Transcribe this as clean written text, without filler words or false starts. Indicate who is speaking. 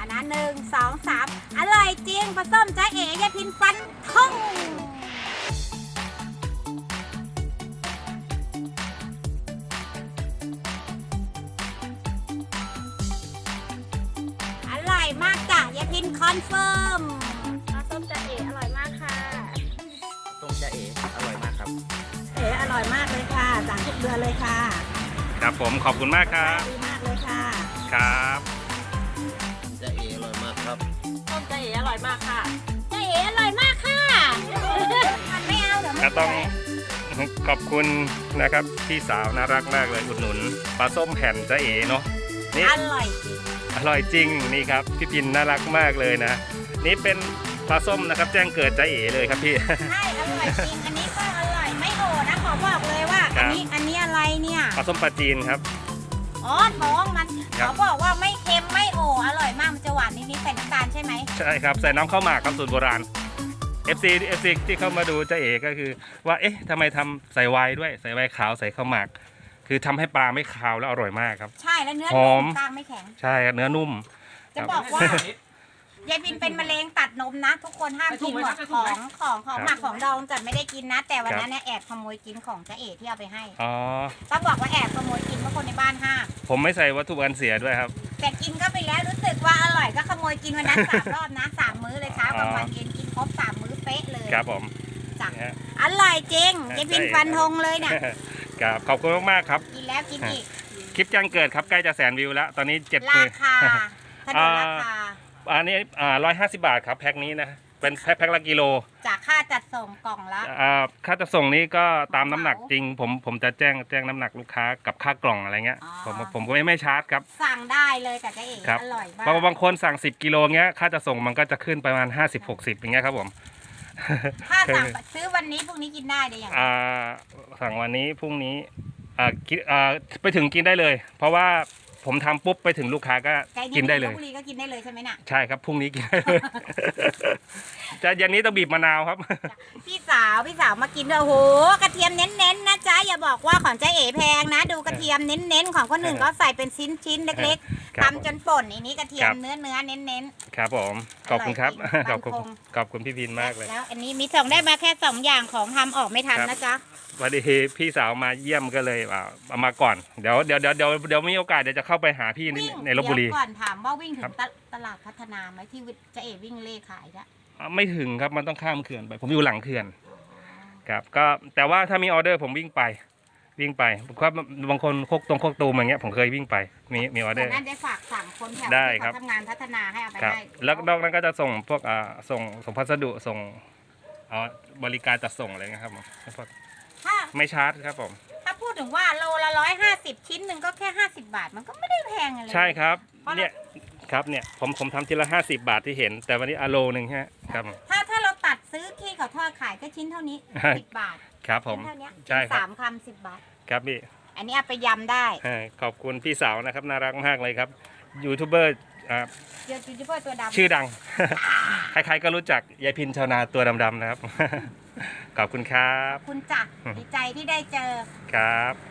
Speaker 1: นะ1 2 3อร่อยจริงปลาส้มจ้าเอ๋ยายพินฟันทงอร่อยมากจ้ะยายพินคอนเฟิร์มปลาส้มจ้าเอ๋อร่อยมากค่ะ
Speaker 2: ต้มจะเอ๋อร่อยมากครับ
Speaker 1: เอ๋อร่อยมากเลยค่ะสั่งทุกเดือนเลยค่ะ
Speaker 3: ครับผมขอบคุณมากครับ
Speaker 1: ดีมากเลยค่ะ
Speaker 3: ครับ
Speaker 2: จะเอ๋อร่อยมากครับ
Speaker 1: ต้มจะเอ๋อร่อยมากค่ะจะเอ๋อร่อยมากค่ะมันไม่เอาเดี๋ยวไม่
Speaker 3: ต้องขอบคุณนะครับพี่สาวน่ารักมากเลยอุดหนุนปลาส้มแผ่นจ๊ะเอ๋เนาะนี่
Speaker 1: อร่อยจริง
Speaker 3: อร่อยจริงนี่ครับพี่พินน่ารักมากเลยนะนี่เป็นปลาส้มนะครับแจ้งเกิดจ๊ะเอ๋เลยครับพี่
Speaker 1: ใช่อร่อยจริงอันนี้ก็อร่อยไม่โหนะขอบอกเลยว่าอันนี้อะไรเนี่ย
Speaker 3: ปลาส้มปลาจีนครับ
Speaker 1: อ๋อท้องมันเขาบอกว่าไม่เค็มไม่โออร่อยมากมันจะหวานนิดๆใส่น้ำตาลใช่ไหม
Speaker 3: ใช่ครับใส่น้ำข้าวหมากครับสูตรโบราณ FC ที่เข้ามาดูจ๊ะเอ๋ก็คือว่าเอ๊ะทำไมทำใส่ไวน์ด้วยใส่ไวน์ขาวใส่ข้าวหมากคือทำให้ปลาไม่คาวแล้วอร่อยมากครับ
Speaker 1: ใช่แล้วเนื้อนุ่มกลางไม่แข็ง
Speaker 3: ใช่เนื้อนุ่ม
Speaker 1: จะบอกว่ายายพินเป็นมะเร็งตัดนมนะทุกคนห้ามกินหมดของหมักของดองจัดไม่ได้กินนะแต่วันนั้นเนี่ยแอบขโมยกินของจ๊ะเอ๋ที่เอาไปให้ต้องบอกว่าแอบขโมยกินเพราะคนในบ้านห้าม
Speaker 3: ผมไม่ใส่วัตถุกันเสียด้วยครับ
Speaker 1: แต่กินก็ไปแล้วรู้สึกว่าอร่อยก็ขโมยกินวันนั้น3 รอบนะ3 มื้อเลยเช้ากลางวันเย็นกินครบ3 มื้อเป๊ะเลย
Speaker 3: ครับผม
Speaker 1: จ้ะอร่อยจริงยายพินฟันธงเลยเนี่ย
Speaker 3: ครับขอบคุณมากๆครับ
Speaker 1: กินแล้วกินอีก
Speaker 3: คลิปแจ้งเกิดครับใกล้จะ100,000 วิวแล้วตอนนี้7
Speaker 1: ราคาถนนราคา
Speaker 3: อันนี้150 บาทครับแพ็คนี้นะเป็นแพ็คละกิโล
Speaker 1: จากค่าจัดส่งกล่องละ
Speaker 3: ค่าจัดส่งนี้ก็ตามน้ำหนักจริงผมจะแจ้งน้ำหนักลูกค้ากับค่ากล่องอะไรเงี้ยผมก็ไม่ชาร์จครับ
Speaker 1: สั่งได้เลยแต่ก็เองอร่อยมาก
Speaker 3: บางคนสั่ง10 กิโลเงี้ยค่าจัดส่งมันก็จะขึ้นประมาณ50-60อย่างเงี้ยครับผม
Speaker 1: ถ้าสั่งซื้อวันนี้พรุ่งนี้กินได้เดี๋ยวอย่าง
Speaker 3: สั่งวันนี้พรุ่งนี้ไปถึงกินได้เลยเพราะว่าผมทำปุ๊บไปถึงลูกค้าก็กินได้เลย
Speaker 1: พรุ่งนี้ก็กินได้เลยใช่ไหมน่ะ
Speaker 3: ใช่ครับพรุ่งนี้กินได้เลยจะยันนี้ต้องบีบมะนาวครับ
Speaker 1: พี่สาวมากินด้วยโอ้โหกระเทียมเน้นๆนะจ๊ะอย่าบอกว่าของจ๊ะเอ๋แพงนะดูกระเทียมเน้นๆของคนหนึ่งก็ใส่เป็นชิ้นเล็กๆทำจนป่นอันนี้กระเทียมเนื้อเน้น
Speaker 3: ๆครับผมขอบคุณครับขอบคุณพี่พินมากเลย
Speaker 1: แล้วอันนี้มีส่งได้มาแค่2 อย่างของทำออกไม่ทันนะจ๊ะ
Speaker 3: วันนี้พี่สาวมาเยี่ยมก็เลยเอามาก่อนเดี๋ยวมีโอกาสเดี๋ยวจะเข้าไปหาพี่ในลพบุรี
Speaker 1: ก่อนถามว่าวิ่งถึงตลาดพัฒนาไหมที่จ๊ะเอ๋วิ่งเล่ขายละ
Speaker 3: ไม่ถึงครับมันต้องข้ามเขื่อนไปผมอยู่หลังเขื่อนครับก็แต่ว่าถ้ามีออเดอร์ผมวิ่งไปเพราะบางคนโคกตูมอย่างเงี้ยผมเคยวิ่งไปมีออเดอร์
Speaker 1: นั่นได้ฝากสั่งคนแถวที่เขาทำงานพัฒนาให้เอาไปให้
Speaker 3: แล้วนอกนั้นก็จะส่งพวกส่งพัสดุส่งบริการจัดส่งอะไรเงี้ยครับไม่ชาร์จครับผม
Speaker 1: ถ้าพูดถึงว่าโลละ150ชิ้นหนึ่งก็แค่50 บาทมันก็ไม่ได้แพงอะไร
Speaker 3: ใช่ครับเนี่ยครับเนี่ยผมทำทีละ50 บาทที่เห็นแต่วันนี้โลนึงฮะครับ
Speaker 1: ถ้าเราตัดซื้อที่เขาทอดขายก็ชิ้นเท่านี้10 บาท
Speaker 3: ครับผม
Speaker 1: ใช่ครับ3 คำ10 บาท
Speaker 3: ครับพี่
Speaker 1: อันนี้เอาไปยำได้
Speaker 3: ขอบคุณพี่สาวนะครับน่ารักมากเลยครับยูทูบเบอร์
Speaker 1: ตัวดำ
Speaker 3: ชื่อดังใครๆก็รู้จักยายพินชาวนาตัวดำๆนะครับขอบคุณครับ
Speaker 1: คุณจักรดีใจที่ได้เจอ
Speaker 3: ครับ